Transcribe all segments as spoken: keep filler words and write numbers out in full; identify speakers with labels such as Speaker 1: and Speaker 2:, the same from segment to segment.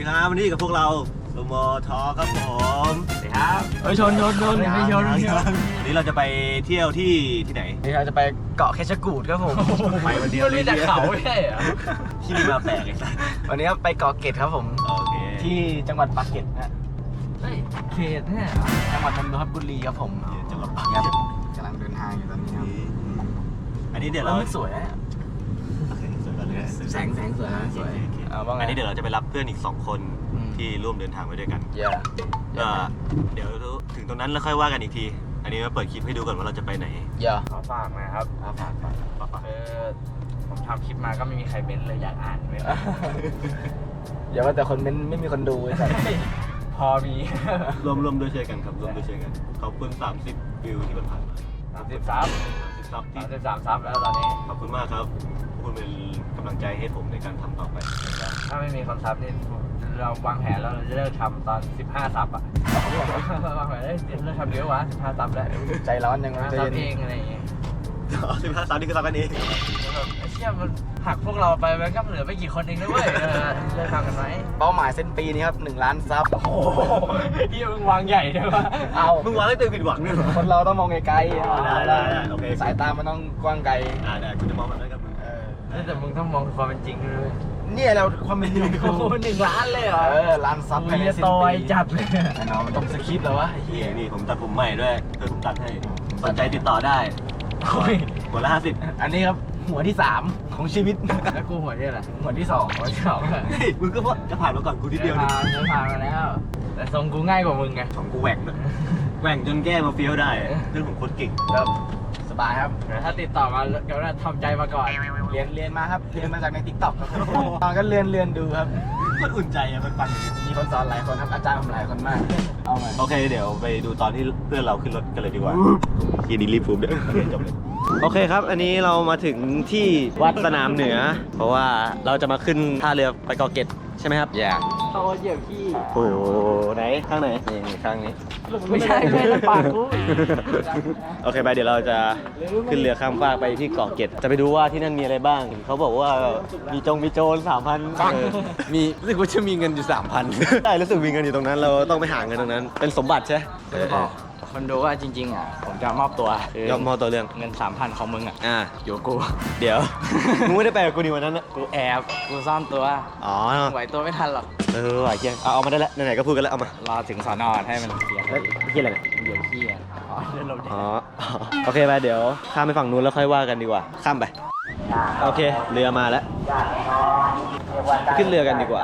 Speaker 1: ครับวันนี้กับพวกเราโลโมทอครับผมสวัสดีครับ
Speaker 2: เฮ้ยชนชนชนไม่ชน
Speaker 1: วันนี้เราจะไปเที่ยวที่ที่ไหน
Speaker 2: นี่เราจะไปเกาะเคชกูดครับผม
Speaker 1: ไปวันเดียวเลย
Speaker 2: แต่เขาไม่ใช่เหรอ
Speaker 1: ที่นี่มาแปลกเลย
Speaker 2: วันนี้ไปเกาะเกร็ดครับผม
Speaker 1: โอเค
Speaker 2: ที่จังหวัดปากเกร็ดนะเฮ้ยเขตเนี่ยจังหวัดนนทบุรีครับผม
Speaker 1: จังหวัดปากเกร็ด
Speaker 2: กำลังเดินทางอยู่ตอนนี้ครับ
Speaker 1: อันนี้เดี๋ยวเรา
Speaker 2: สวยนะแสงแสงสวยนะสวย
Speaker 1: อันนี้เดี๋ยวเราจะไปรับเพื่อนอีกสองคนที่ร่วมเดินทางไปด้วยกันก็เดี๋ยวถึงตรงนั้นแล้วค่อยว่ากันอีกทีอันนี้มาเปิดคลิปให้ดูก่อนว่าเราจะไปไหน
Speaker 2: อย่า
Speaker 3: ขอฝากนะครับขอฝากเออผมทำคลิปมาก็ไม่มีใครเม้นเลยอยากอ่านไหม
Speaker 2: อย่าว่าแต่คนเม้นไม่มีคนดูไอ้สัส
Speaker 3: พอมี
Speaker 1: รวมรวมด้วยช่วยกันครับรวมด้วยช่วยกันขอบคุณสามสิบวิวที่ผ่านมา
Speaker 3: สามสิบซับ
Speaker 1: ซับที่
Speaker 3: สามสิบสามซับแล้วตอนนี้
Speaker 1: ขอบคุณมากครับคุณเป็นกำลังใจให้ผมในการทำต่อไป
Speaker 3: ถ้าไม่มีคนซับนี่เราวางแผนแล้วเราจะเลิกทำตอนสิบห้าซับอ่ะวางแผนได้เลิกทำเยอะวะสิบห้าซับแล้ว
Speaker 2: ใจร้อนยังไง
Speaker 3: ซับเองอะไรอย่างเงี้ย
Speaker 1: สิบห้าซับนี่คือซับกันเอง
Speaker 3: ไอ้เชี่ยมันหักพวกเราไปมันก็เหลือไม่กี่คนเองนะเว้ยเลิกทำกันไหม
Speaker 2: เป้าหมายเส้นปีนี้ครับหนึ่งล้านซับ
Speaker 3: โอ้โหที่มึงวางใหญ่ใช่ปะ
Speaker 2: เอา
Speaker 1: มึงวางได้เต็มผิดหวังเนี่ย
Speaker 2: คนเราต้องมองไกล
Speaker 1: ๆได้ได้โอเค
Speaker 2: สายตามันต้องกว้างไกล
Speaker 1: อ่าได้คุณจะมองแบบนั้นกับมึง
Speaker 3: เออแต่มึงต้องมองความเป็นจริงด้วย
Speaker 2: เนี่ยเราความเป็นจริง
Speaker 3: โอ้โหหนึ่งล้านเลยเหรอ
Speaker 2: เออล้านซับ
Speaker 3: ภายในสิ้นปีจัดเลย
Speaker 2: เนาะมันต้องสคริปต์แล้ววะ
Speaker 1: เฮียนี่ผมตัดผมใหม่ด้วยเพื่อนผมตัดให้สนใจติดต่อได้หัวละห้าสิบ
Speaker 2: อันนี้ครับหัวที่สามของชีวิต
Speaker 3: แล้วกูหัวที่อะไร
Speaker 2: หัวที่สอง
Speaker 3: หัวที่สอง
Speaker 1: มึงก็จะผ่านมาก่อนกูทีเดียว
Speaker 3: นี่ผ่านมาแล้วแต่ทรงกูง่ายกว่ามึงไง
Speaker 1: ของกูแหว่งด้วยแหว่งจนแก้มาเฟี้ยวได้เรื่องของโคตรเก่ง
Speaker 2: ครับสบายครับ
Speaker 3: ถ้าติดต่อมาเดี๋ยวเราทำใจมาก่อน
Speaker 2: เรียนเรียนมาครับเรียนมาจากในทิกต็อกครับตอนก็เรียนเรียนดูครับ
Speaker 1: มันอุ่นใจอะมันฟัง
Speaker 2: มีคนสอนหลายคนครับอาจารย์ผมหลายคนมากเอามา
Speaker 1: โอเคเดี๋ยวไปดูตอนที่เพื่อนเราขึ้นรถกันเลยดีกว่าทีนี้รีบฟูมเดี๋ยวจบเลยโอเคครับอันนี้เรามาถึงที่วัดสนามเหนือเพราะว่าเราจะมาขึ้นท่าเรือไปเกาะเกร็ดใช่ไหมครับ
Speaker 2: อย่า
Speaker 3: เขาเหยียบขี้
Speaker 1: โอ้ไหนข้างไหนนี่ข้างนี้
Speaker 3: ไม่ใช่ไม่ใช่ปากกู
Speaker 1: โอเคไปเดี๋ยวเราจะขึ้นเรือข้ามฟากไปที่เกาะเกร็ดจะไปดูว่าที่นั่นมีอะไรบ้างเขาบอกว่ามีจงมีโจรสามพันมีรู้สึกว่าจะมีเงินอยู่สามพันใช่รู้สึกมีเงินอยู่ตรงนั้นเราต้องไปหาเงินตรงนั้นเป็นสมบัติใช่
Speaker 3: คนดูว่าจริงๆอ่ะผมจะมอบตัวย
Speaker 1: อมมอบตัวเรื่อง
Speaker 3: เงินสามพันของมึงอ่ะ
Speaker 1: อ่า
Speaker 3: อยู่กู
Speaker 1: เดี๋ยวมึงไม่ได้ไปกับกูดีวันนั้นนะ
Speaker 3: กูแอบกูซ่อนตัว
Speaker 1: อ๋อ
Speaker 3: ไหวตัวไม่ทันหรอก
Speaker 1: เออไหวเกียงเอาเอามาได้แล้วไหนๆก็พูดกันแล้วเอามาร
Speaker 3: อถึงสอนอให้มันเคลียร์
Speaker 1: แล้วเกียร์อะไรเนี่ย
Speaker 3: เดี๋ยวเคลียร์อ๋อเดินลง
Speaker 1: อ๋อโอเคไปเดี๋ยวข้ามไปฝั่งนู้นแล้วค่อยว่ากันดีกว่าข้ามไปโอเคเรือมาแล้วขึ้นเรือกันดีกว่า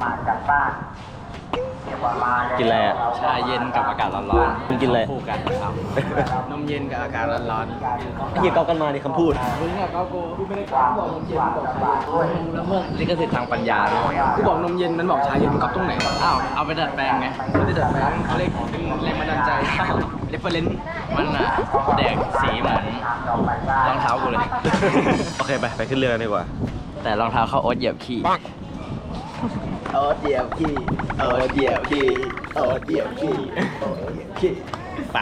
Speaker 1: กินอะไรอ่ะ
Speaker 3: ชาเย็นกับอากาศร้อน
Speaker 1: ๆมึงกินอะไร
Speaker 3: คู่กันครับนมเย็นกับอากาศร้อน
Speaker 1: ๆไอ้เหี้ยเกากันมาในคำพูด
Speaker 3: มึงอะเกากูกูไม่ได้กล้าบอกนมเย็นบอกชาเย็นแล้วเมื่อลิขสิทธิ์ทางปัญญาเลย
Speaker 2: กูบอกนมเย็นมันบอกชาเย็นมันก๊อปตรงไหน
Speaker 3: อ้าวเอาไปดัดแปลงไง
Speaker 2: ไม่ได้ดัดแปลงเขาเรียกเป็นแรงบันดาลใจเรฟเฟอเรนซ์
Speaker 3: มันอะแดกสีเหมือนรองเท้ากูเลย
Speaker 1: โอเคไปไปขึ้นเรือกันดีกว่า
Speaker 3: แต่รองเท้าเขาโอ๊ตเหยียบขี้
Speaker 2: โอ๊ตเหยียบขี้โอ๊ตเหยียบขี้โอ๊ตเหยียบขี้โอ๊ตเหยียบขี้
Speaker 1: ไป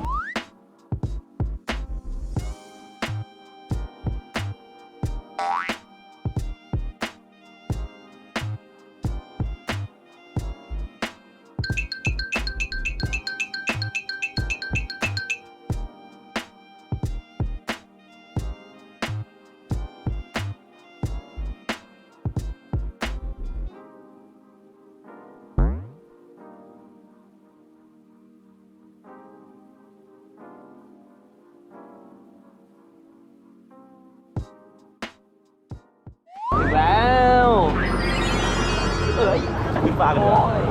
Speaker 2: แล้วเอ้ย
Speaker 1: ขึ้นฟ้ากันเลย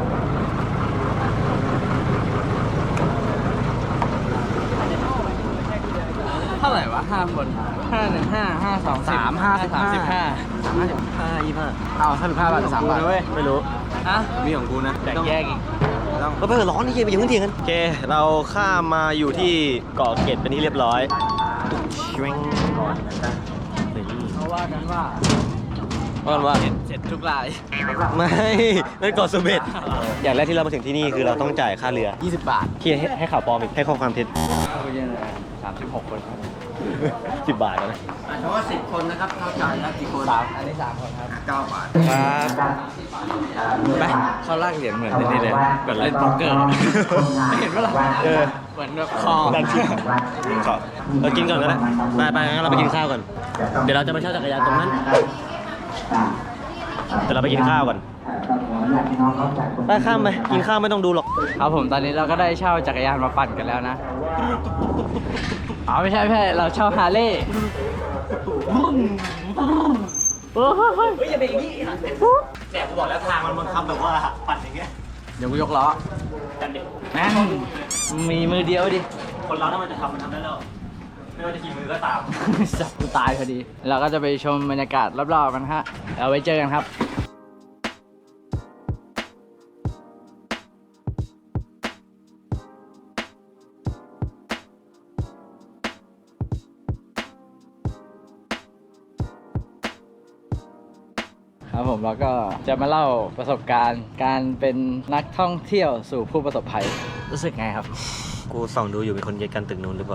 Speaker 3: เท่าไหร่วะห้าคนห้าหนึ่งห้าห้าสอง
Speaker 2: สามห้าสิบ
Speaker 3: สามสิบห้า
Speaker 2: สามห้าสิบห้ายี่ห้าเอาห้าสิบห้าบาทสามบาท
Speaker 1: เว้ยไม่รู้
Speaker 3: ฮะ
Speaker 1: มีของกูนะ
Speaker 3: แบ่งแยกอีก
Speaker 1: ก็ไปร้อนนี่เย็นไปยังไม่เที่ยงกันโอเคเราข้ามมาอยู่ที่เกาะเกร็ดเป็นที่เรียบร้อย
Speaker 3: เขาว่ากันว่า
Speaker 1: ว่ากันว่า
Speaker 3: เสร็จทุกราย
Speaker 1: ไม่นั่นเกาะเสม็ดอย่างแรกที่เรามาถึงที่นี่คือเราต้องจ่ายค่าเรือ
Speaker 3: ยี่สิบบาท
Speaker 1: ที่ให้ให้ข่าวปลอมอีกให้ข้อความเท็จ
Speaker 3: เข้าไปเยอะเลยสามสิบหกคนครับ
Speaker 1: สิบบาทแล้วนะ
Speaker 2: เพราะว่าสิบคนนะครับเข้าจ่ายแล้วกี่คน
Speaker 3: สามอันนี้สามคนครับ
Speaker 2: เก้าบาท
Speaker 3: ครับไปเขาลากเหรียญเหมือนนี่เลยแบบเล่นโป๊กเกอร์เห็นปะล่ะ
Speaker 1: เออ
Speaker 3: เหมือนแบบคอ
Speaker 1: ดันชิมก็เรากินก่อนก็ได้ไปไปงั้นเราไปกินข้าวก่อน เดี๋ยวเราจะไปเช่าจักรยานตรงนั้นเดี๋ยวเราไปกินข้าวก่อนไปข้ามไปกินข้าวไม่ต้องดูหรอก
Speaker 3: ครับผมตอนนี้เราก็ได้เช่าจักรยานมาปั่นกันแล้วนะอ๋อไม่ใช่ไม่ใช่เราเช่าฮาร์เลย์เฮ้ยอย่าไปอย่างนี้
Speaker 1: เนี่ยกูบอกแล้วทางมันบังคับแบบว่าปั่นอย่างเงี้ย
Speaker 3: เดี๋ยวกูยกล้อ
Speaker 1: กันเด็ก
Speaker 3: แม่งมีมือเดียวดิ
Speaker 1: คนเราถ้ามันจะทำมันทำได้แล้ว ไม่ว่าจะกี่มือก็ตาม
Speaker 3: สับกูตายพอดี เราก็จะไปชมบรรยากาศรอบๆกันฮะเอาไว้เจอกันครับครับผมแล้วก็จะมาเล่าประสบการณ์ การเป็นนักท่องเที่ยวสู่ผู้ประสบภัยรู้สึกไงครับ
Speaker 1: กูส่องดูอยู่มีคนเย็ดกันตึกนู้นหรือเปล่า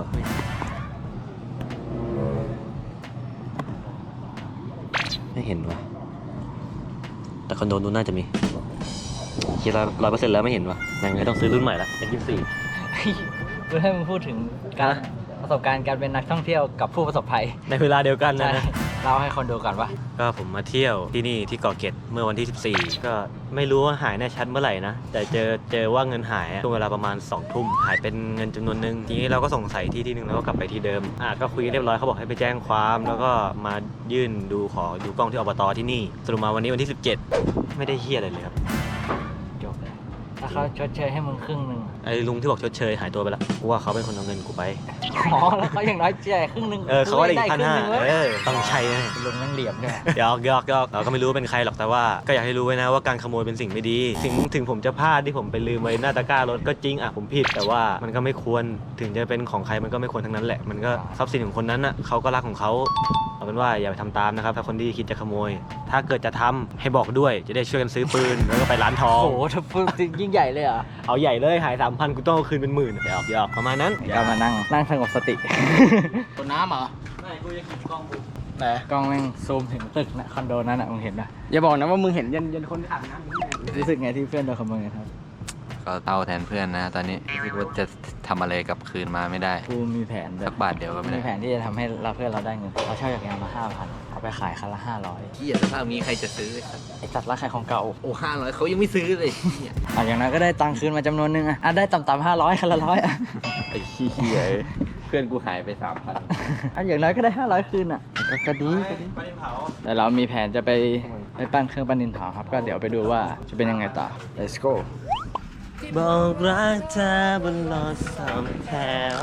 Speaker 1: ไม่เห็นวะแต่คอนโดนู้นน่าจะมีคิดร้อยร้อยเปอร์เซ็นต์แล้วไม่เห็นวะยังไงต้องซื้อรุ่นใหม่ละเป็นยี่สิบสี่
Speaker 3: เพื่อให้มึงพูดถึงการประสบการณ์การเป็นนักท่องเที่ยวกับผู้ประสบภัย
Speaker 1: ในเวลาเดียวกันนะ
Speaker 3: ใช่เล่าให้คนดูก่อนว่า
Speaker 1: ก็ผมมาเที่ยวที่นี่ที่เกาะเกร็ดเมื่อวันที่สิบสี่ก็ไม่รู้ว่าหายแน่ชัดเมื่อไหร่นะแต่เจอเจอว่าเงินหายอะช่วงเวลาประมาณสองทุ่มหายเป็นเงินจำนวนหนึ่งทีนี้เราก็สงสัยที่ที่หนึ่งแล้วก็กลับไปที่เดิมอ่ะก็คุยกันเรียบร้อยเขาบอกให้ไปแจ้งความแล้วก็มายื่นดูขอดูกล้องที่อบตที่นี่สรุปมาวันนี้วันที่สิบเจ็ดไม่ได้เฮี้ยอะไรเลยครับ
Speaker 3: จบเลยถ้าเขาชดเชยให้มึงครึ่งหนึ่ง
Speaker 1: ไอ้ลุงที่บอกชดเชยหายตัวไปแล้วกูว่าเขาเป็นคนเอาเงินกูไป
Speaker 3: อ๋อแล้วเขาอย่างน้อยจ่ายครึ่งหนึ่ง
Speaker 1: เออเขาก็ได้อีกพันห้า
Speaker 3: ครึ่งนึ่ง
Speaker 1: เอ
Speaker 3: เว้ย
Speaker 1: อต้องใช้นะ
Speaker 3: ลุงนั่งเหลี่ยมใช่ไหม
Speaker 1: หยอกหยอกหยอกเราก็ไม่รู้ว่าเป็นใครหรอกแต่ว่าก็อยากให้รู้ไว้นะว่าการขโมยเป็นสิ่งไม่ดี ถึงถึงผมจะพลาดที่ผมไปลืมไว้หน้าตะกร้ารถก็จริงอ่ะผมผิดแต่ว่ามันก็ไม่ควรถึงจะเป็นของใครมันก็ไม่ควรทั้งนั้นแหละมันก็ทรัพย์สินของคนนั้นอ่ะเขาก็รักของเขาเอาเป็นว่าอย่าไปทำตามนะครับถ้าคนที่คิดจะขโมย ถ้าเกิดจะทำให้บอกด้วยจะได้ช่วยกันซื้อปืนแล้วก็ไปร้านทอง
Speaker 3: โอ้โหถ้าพูดจริงยิ่งใหญ่เลยเหรอ
Speaker 1: เอาใหญ่เลยหายสามพันกูต้องเอาคืนเป็นหมื่นหยอกหยอกประมาณนั้น
Speaker 3: ก็มานั่งนั่งสงบสติ
Speaker 2: ตัวน้ำเหรอ
Speaker 1: ไม่กูจะกินกล้องกู
Speaker 2: ไหน
Speaker 3: กล้องแม่งซูมถึงตึกนะคอนโดนั้นอ่ะมึงเห็นปะ
Speaker 2: อย่าบอกนะว่ามึงเห็นยันยันคนอาบน้ำ
Speaker 3: รู้สึกไงที่เพื่อนโดนขโมยครับ
Speaker 4: ก็เต้าแทนเพื่อนนะ ตอนนี้รู้สึกว่าจะทำอะไรกลับคืนมาไม่ได้
Speaker 3: กูมีแผนแบ
Speaker 4: สั
Speaker 3: บ
Speaker 4: กบาทเดียวก็ไม่
Speaker 3: มี
Speaker 4: ได้
Speaker 3: แผนที่จะทำให้เราเพื่อนเราได้เงินเราเช่าจักรยานมาห้าพันเอาไปขายคันละห้าร้อย
Speaker 4: ที่อย่าสภาพนี้ใครจะซื้อ
Speaker 3: ไอ้จัดร้านขายของเก่า
Speaker 4: โอ้ห้าร้อยเขายังไม่ซื้อเลยเนี่ย
Speaker 3: อ่ะอย่างนั้นก็ได้ตังค์คืนมาจำนวนหนึงอ่ะอ่ะได้ต่ำๆห้าร้อยคันละร้อยอ่ะ
Speaker 4: ไอ้ขี้เหี้ยเพื่อนกูหายไปสามพัน
Speaker 3: อ่ะอย่างน้อยก็ได้ห้าร้อยคืนอ่ะก็ก็ดีก็ดี
Speaker 1: ไปเผา
Speaker 3: แต่เรามีแผนจะไปไปปั้นเครื่องปั้นดินเผาครับ ก็เดี๋ยวไปดูว่าจะเป็นยังไงต่อ let's go
Speaker 1: บอกรักเธอบนรถสองแถว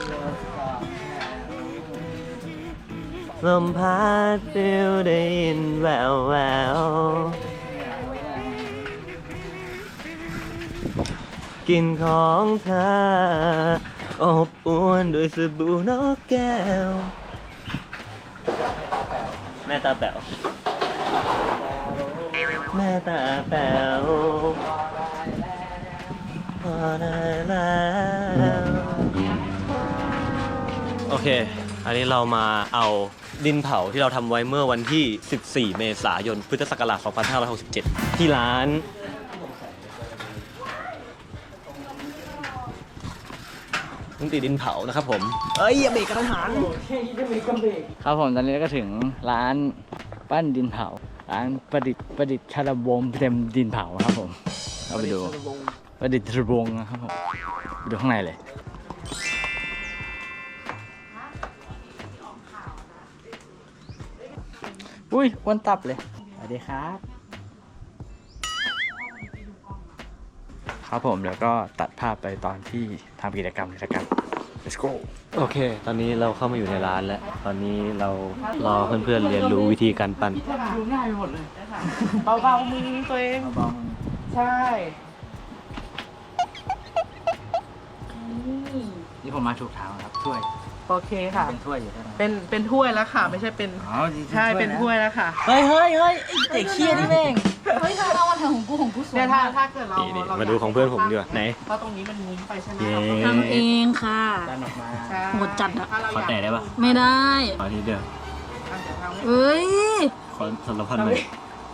Speaker 1: ลมพัดฟิวได้ยินแววแววกลิ่นของเธออบอวนด้วยสบู่นกแก้ว แม่ตาแป๋วแม่ตาแป๋วพอได้แล้วโอเค อันนี้เรามาเอาดินเผาที่เราทำไว้เมื่อวันที่ สิบสี่ เมษายน พุทธศักราช สองพันห้าร้อยหกสิบเจ็ด ที่ร้านลุงตีดินเผานะครับผม เอ้ยอย่าเบรกกระทันหัน
Speaker 3: ครับผมตอนนี้ก็ถึงร้านปั้นดินเผา ร้านประดิษฐ์ประดิษฐ์ชาลวงศ์เต็มดินเผาครับผมเราไปดูประดิษฐ์ชาลวงศ์นะครับผมไปดูข้างในเลยอุ้ยอ้วนตับเลยสวัสดีครับ ครับผมแล้วก็ตัดภาพไปตอนที่ทำกิจกรรมกิจกรรม let's go
Speaker 1: โอเค ตอนนี้เราเข้ามาอยู่ในร้านแล้ว ตอนนี้เรารอเพื่อนๆเรียนรู้วิธีการปั้น
Speaker 3: ดูง่ายไปหมดเลย
Speaker 2: เบาๆมือตัวเอง
Speaker 3: เบาๆมือ
Speaker 2: ใช่
Speaker 3: นี่ผมมาถูกทางแล้วครับช่วย
Speaker 5: โอเคค่ะ
Speaker 3: เป็นถ้วยอยู่ใช่ไหม
Speaker 5: เป็นเป็นถ้วยแล้วค่ะ ไม่ใช่เป็น
Speaker 3: อ๋อจริงๆ
Speaker 5: ใช่เป็นถ้วยแล้วค่ะ
Speaker 3: เฮ้ยเฮ้ยเฮ้ยไอ้เด็กเคี้ยนี่แม่ง
Speaker 6: เฮ้ยเธอเอามาทำของกูของกูสวย
Speaker 5: เนี่ยถ้าถ้าเกิดเรา
Speaker 1: นี่
Speaker 5: เรา
Speaker 1: มาดูของเพื่อนผมดีกว่าไหน
Speaker 5: เพราะตรงนี้มันมุ้งไปใช่ไหม
Speaker 1: เย้
Speaker 5: เราก็
Speaker 6: ทำเองค่ะ
Speaker 3: ดันออกมา
Speaker 5: ใช่
Speaker 6: หมดจัดอะ
Speaker 5: ถ้าเรา
Speaker 3: ขอ
Speaker 5: อยาก
Speaker 3: แตะได้ปะ
Speaker 6: ไม่ได้
Speaker 3: ขอทีเดียว
Speaker 5: อ่ะเดี๋ยวทำ
Speaker 6: เอ้ย
Speaker 3: ขอสารพัดเลย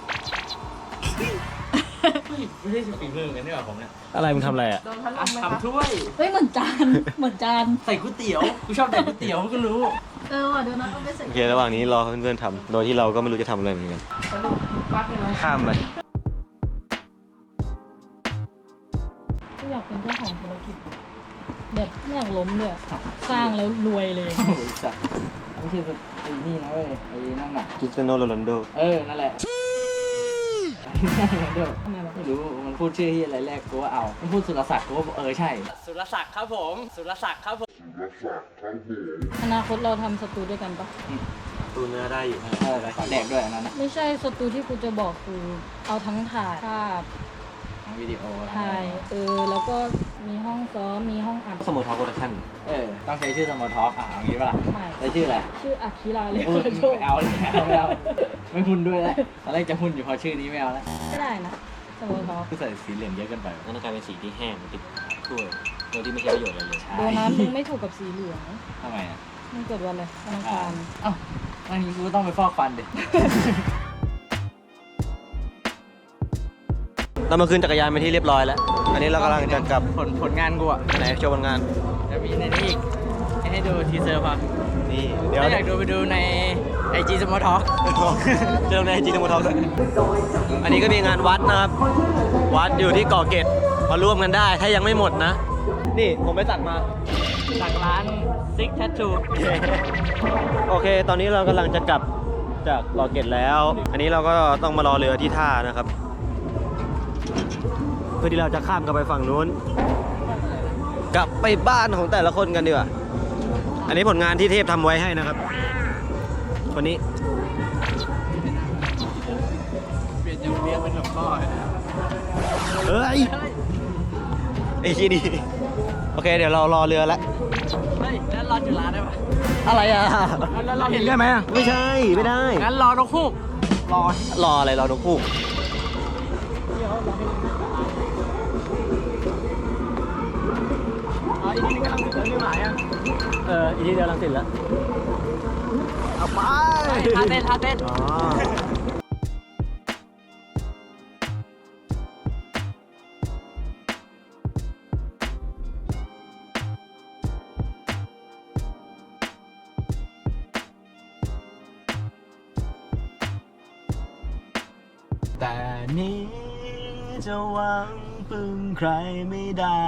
Speaker 3: ไม่ใช่ฝีมือกันนี่หว่าผมเนี่ย
Speaker 1: อะไรมึงทำอะไรอ่ะ
Speaker 5: โดนพัดลมไหมคะ
Speaker 3: ทำถ้วย
Speaker 6: เฮ้ยเหมือนจาน เหมือนจาน
Speaker 3: ใส่ก๋วยเตี๋ยวกูชอบใส่ก๋วยเตี๋ยวก็รู้
Speaker 6: เออว่ะเดี๋ยวนะต้องไปใส่
Speaker 1: โอเคระหว่างนี้รอเพื่อนๆทำโดยที่เราก็ไม่รู้จะทำอะไรเหมือนกัน
Speaker 5: สรุปปักเลย
Speaker 1: ข้ามไป
Speaker 6: กูอยากเป็นเจ้าของธุรกิจแบบไม่อยากล้มเลยสร้างแล้วรวยเลย
Speaker 3: โอ้ยสัตว์ไม่ใช่ไอ้นี่นะเว้ยไอ้นั่นน่ะ
Speaker 1: คริสเตียโนโรนัลโด
Speaker 3: เออ นั่นแหละเดี๋ยว
Speaker 6: ทำไมวะ
Speaker 3: ไม่รู้ มันพูดชื่อที่อะไรแรกกูว่าเอา มันพูดสุรศักดิ์กูว่าเออใช่ สุรศักดิ์ครับผม สุรศักดิ์ครับผม
Speaker 6: อนาคตเราทำสตูด้วยกันปะ
Speaker 1: ตูเนื้อได้อยู่
Speaker 3: เออขอแดกด้วยอันนั้นนะ
Speaker 6: ไม่ใช่สตูที่กูจะบอกคือเอาทั้งถ่ายภาพ
Speaker 3: ทั้งวิดีโอ
Speaker 6: ถ่ายเออแล้วก็มีห้องซ้อมมีห้องอัด
Speaker 1: สมุทรทอโปรดักชั่น
Speaker 3: เออ ต้องใช้ชื่อสมอทอกอ่ะเอางี้ป่ะล่ะ
Speaker 6: ใหม่
Speaker 3: ใช้ชื่ออะไร
Speaker 6: ชื่ออาคิราเลย
Speaker 3: เออไม่เอาเลยไม่เอาไม่หุ้นด้วยแล้วตอนแรกจะหุ้นอยู่พอชื่อนี้ไม่เอาแล้ว
Speaker 6: ไม่ได้นะสมมติเขา
Speaker 3: คือใส่สีเหลืองเยอะเกินไป
Speaker 1: นั่นกลายเป็นสีที่แห้งติดถ้วยโดยที่ไม่ใช่ประโยชน์อะไรเลย
Speaker 6: โดนัทมึงไม่ถูกกับสีเหลือง
Speaker 3: ทำไมอ่ะ
Speaker 6: มึงเกิดวันอะไรวันอังคาร
Speaker 3: เอ้าอันนี้กูต้องไปฟอกฟันดิ
Speaker 1: เรามาคืนจักรยานไปที่เรียบร้อยแล้ว อันนี้เรากำลังจะกลับ
Speaker 3: ผลผลงานกูอ่ะ
Speaker 1: ไหนโชว์ผลงาน
Speaker 3: จะมีในนี้อีกให้ดูทีเซอร์พอ
Speaker 1: นี่เดี๋ยว
Speaker 3: ถ้าอยากดูไปดูในไอจีสมอทอก
Speaker 1: เจอในจีนมอทอด้วยอันนี้ก็มีงานวัดนะครับ วัดอยู่ที่เกาะเกร็ดมาร่วมกันได้ ถ้ายังไม่หมดนะ นี่ผมไปสั่งมา
Speaker 3: จากร้านซิกแททู
Speaker 1: โอเค ตอนนี้เรากำลังจะกลับจากเกาะเกร็ดแล้ว อันนี้เราก็ต้องมารอเรือที่ท่านะครับ เพื่อที่เราจะข้ามกันไปฝั่งนู้น กลับไปบ้านของแต่ละคนกันดีกว่า อันนี้ผลงานที่เทพทำไว้ให้นะครับ วันนี้
Speaker 3: เปลี่ยนจากเบียร์เป็นหลวงพ่อ
Speaker 1: เฮ้ย ไอ้ที่นี่โอเค เดี๋ยวเรารอเรือแล้ว
Speaker 3: เฮ้ยแล้วรอจุฬาได้ปะ
Speaker 1: อะไรอ่ะ
Speaker 3: แล้วเราเห็นได้ไหม
Speaker 1: ไม่ใช่ ไม่ได้
Speaker 3: งั้นรอนกฮูกรอ
Speaker 1: รออะไรรอนกฮูกอ๋ออีทีนี้กำลังติดแล้วนี่หมายอ่ะเอออีทีเดียวกำลังติดแล้วเอาไป
Speaker 3: ท่าเต้นท่าเต้น
Speaker 1: อ๋อแต่นี้จะหวังพึ่งใครไม่ได้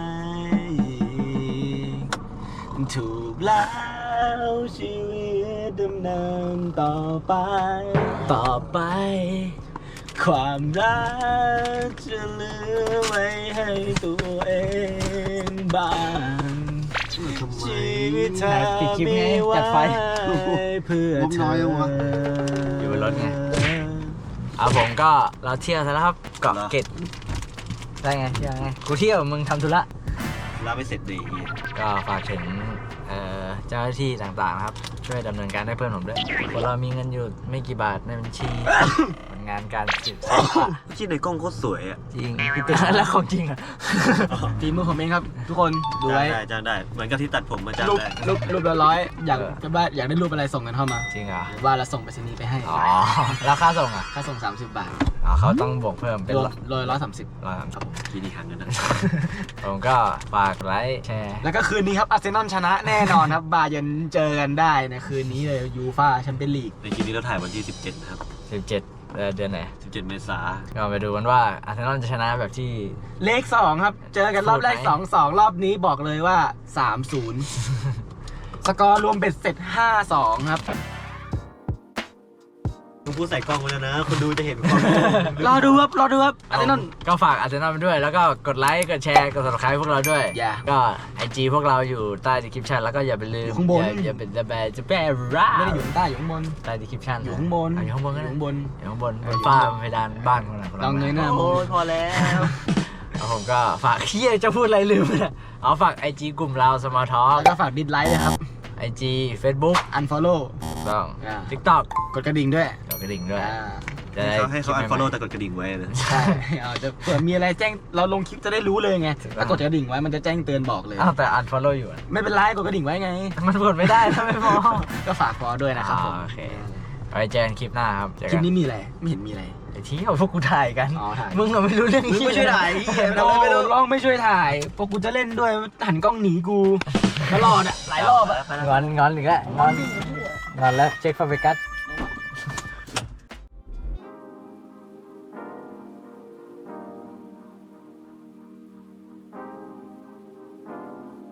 Speaker 1: ถูกแล้วชีวิตดำเนินต่อไป ต่อไป ความรักจะเหลือไว้ให้ตัวเองบ้างชีวิตเธอมีไว้เพื่อเธอ
Speaker 3: อยู่บนรถไงอ่ะผมก็เราเที่ยวซะแล้วครับเกาะเกร็ดได้ไงเที่ยวไงกูเที่ยวมึงทำธุระ
Speaker 1: รับไม่เสร็จดี
Speaker 3: ก็ฝากถึงเอ่อเจ้าหน้าที่ต่างๆนะครับ ช่วยดำเนินการให้เพื่อนผมด้วยคนเรามีเงินอยู่ไม่กี่บาทในบัญชี ผลงานการสืบสวน
Speaker 1: ที่ในกล้องโคตรสวยอ่ะ
Speaker 3: จริงแล้วของจริงอ่ะ
Speaker 2: ฝีมือผมเองครับ ทุกคนดูไว้
Speaker 1: จ้างได้จ้างได้ เหมือนกับที่ตัดผมมาจ้าง
Speaker 2: รูป
Speaker 1: ได้
Speaker 2: รูปรูปละร้อยอยากจะว่าอยากได้รูปอะไรส่งกันเข้ามา
Speaker 3: จริงเหรอ
Speaker 2: ว่าเราส่งไปรษณีย์ไปให้
Speaker 3: อ๋อแล้วค่าส่งอ่ะ
Speaker 2: ค่าส่งสามสิบบาท
Speaker 3: อ๋อเขาต้องบวกเพิ่มเป็น
Speaker 2: รวม
Speaker 3: ร้อย
Speaker 2: โลร้อยสามสิบ
Speaker 3: ร้อยสามสิบ
Speaker 1: กี่ดีหันกันนะ
Speaker 3: ผมก็ฝากไลค์แชร์
Speaker 2: แล้วก็คืนนี้ครับอาร์เซนอลชนะแน่นอนครับบาเยิร์นเจอกันได้ในคืนนี้เลยยูฟ่าแชมเปี้ยนลีก
Speaker 1: ในคลิปนี้เราถ่ายวันที่สิบเจ็ดนะครับ
Speaker 3: สิบเจ็ดเอ่อเดือนไหน
Speaker 1: สิบเจ็ดเมษา
Speaker 3: ก็ไปดูกันว่าอาร์เซนอลจะชนะแบบที่
Speaker 2: เลขสองครับ เจอกันรอบแรก
Speaker 3: พูดไหม
Speaker 2: สองสองรอบนี้บอกเลยว่าสามศูนย์ สกอร์รวมเบ็ดเสร็จห้าสองครับ
Speaker 1: มึงพูดใส่กล้องไว้แล้วนะ คนดูจะเห็นความ
Speaker 2: รอดูครับ รอดูครับอาร์เซนอล
Speaker 3: ก็ฝากอาร์เซนอลไปด้วย แล้วก็กดไลค์กดแชร์กด subscribe พวกเราด้วย
Speaker 2: อย่า
Speaker 3: ก็ไอจีพวกเราอยู่ใต้ description แล้วก็อย่าไปลืม
Speaker 2: อยู่ข้างบน
Speaker 3: อย่าอย่าเป็นจะแบจะแบร่า
Speaker 2: ไม่ได้อยู่ข้างใต้อยู่ข้างบน
Speaker 3: ใต้ description
Speaker 2: อยู่ข้างบน
Speaker 3: อ่ะอยู่ข้างบนก็
Speaker 2: อยู่
Speaker 3: ได้
Speaker 2: ข้างบน
Speaker 3: อยู่ข้างบน
Speaker 2: เอบ อน
Speaker 3: ฟ้า
Speaker 2: อยู่ข้างบน
Speaker 3: เพดานบ้านของเรา
Speaker 2: ลองเงยหน้ามอง
Speaker 1: โอ้ยพอแล้ว
Speaker 3: แล้วผมก็ฝากเฮียจะพูดอะไรลืมไปแล้วเอาฝากไอจีกลุ่มเรา small talk
Speaker 2: แล้วก็ฝากดิสไลค์เลยครับ
Speaker 3: ไอไอจี Facebook
Speaker 2: unfollow
Speaker 3: ถูกต้อง
Speaker 2: อ่า
Speaker 3: TikTok
Speaker 2: กดกระดิ่งด้วย
Speaker 3: กดกระดิ่งด้วย
Speaker 2: อ่า
Speaker 3: จะได้
Speaker 1: ให้เขา
Speaker 3: คลิปใหม่ๆ
Speaker 1: unfollow แต่กดกระดิ่งไว้เลย
Speaker 2: ใช่เอาจะเผื่อมีอะไรแจ้งเราลงคลิปจะได้รู้เลยไงถ้ากดกระดิ่งไว้มันจะแจ้งเตือนบอกเลย
Speaker 3: อ้าวแต่ unfollow อยู่อะ
Speaker 2: ไม่เป็นไรกดกระดิ่งไว้ไง
Speaker 3: มันกดไม่ได้ถ้าไม่พอ
Speaker 2: ก็ฝากพอด้วยนะครับผม
Speaker 3: อ่าโอเค ไว้เจอกันคลิปหน้าครับเจอ
Speaker 2: คลิ
Speaker 3: กั
Speaker 2: ป
Speaker 3: น
Speaker 2: นี้มีอะไรไม่เห็นมีอะไร
Speaker 3: ไอ้ที่เอาพวกกูถ่ายกัน
Speaker 2: อ๋อถ่าย
Speaker 3: มึงอะไม่รู้เรื่อง
Speaker 2: มึงไม่ช่วยถ่ายไอ้เหี้ยทำไมไม่รู้ลองไม่ช่วยถ่ายพวกกูจะเล่นด้วยหันกล้องหนีกูตลอดอะหลายรอบอะ
Speaker 3: งอนงอนอีกแล้วงอนงอนแล้วเช็คฟาเบกัส